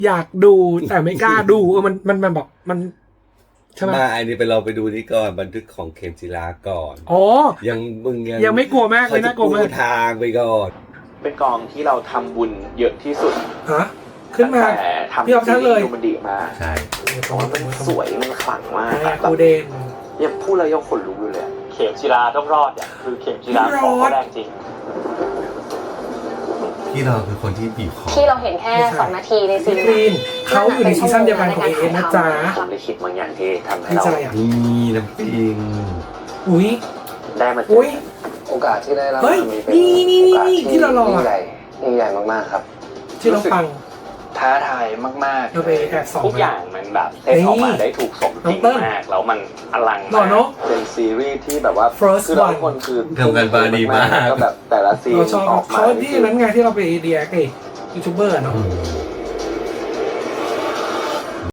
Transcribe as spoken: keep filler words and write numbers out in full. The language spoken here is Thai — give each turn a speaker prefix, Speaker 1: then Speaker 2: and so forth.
Speaker 1: อยากดูแต่ไม่กล้าดูเออมันมันมันแบบมันใช่ไหม
Speaker 2: มาอันนี้ไปเราไปดูนี่ก่อนบันทึกของเข็มจีราก่อน
Speaker 1: อ๋อ
Speaker 2: ยังมึงยัง
Speaker 1: ยังไม่กลัวมากเลยนะกลัวมาก
Speaker 2: ทางไปก่อน
Speaker 3: เป็นกองที่เราทำบุญเยอะที่สุด
Speaker 1: ฮะขึ้นมา
Speaker 3: แต่ทำ
Speaker 1: พี่ออฟทั้งเลย
Speaker 3: ดูมันดีมาก
Speaker 2: ใช่
Speaker 3: เพราะว่ามันสวยมันขลังมาก
Speaker 1: แบบกูเดน
Speaker 3: ยังพูดแล้วยังขนลุกอยู่เลยเข็มจีราต้องรอดเนี่ยคือเข็มจีราของเขาแรงจริง
Speaker 2: ที่เราคือคนที่บีบคอ
Speaker 4: ที่เราเห็นแค่สองนาทีในซีรีส์
Speaker 1: เขาอยู่ในซีซั่นเดียวกันของเอเอนะจ๊ะ
Speaker 3: ผมได้คิดบางอย่างที่ทำให้เรา
Speaker 2: นี่น้ำปิง
Speaker 1: อุ้ย
Speaker 3: ได้มา
Speaker 1: อุ้ย
Speaker 3: โอกาสที่ได้รับ
Speaker 1: นี่นี่นี่นี่ที่เรารอ
Speaker 3: ยิ่งใหญ่ยิ่งใหญ่มากๆครับ
Speaker 1: ที่เราฟัง
Speaker 3: ท้าทายมากๆ
Speaker 1: เราไปแอบส่อง
Speaker 3: ทุกอย่างมันแบบเต้นออกมาได้ถูกสมจริงมากแล้วมันอลังมากเป็นซีรีส์ที่แบบว่าคือทุกคนคือ
Speaker 2: ทำกันบาดีมาก
Speaker 3: ก็แบบแต่ละซีน
Speaker 1: ออกมาเขาที่นั้นไงที่เราไปเดียกไอ้ยูทูบเบอร์เนาะ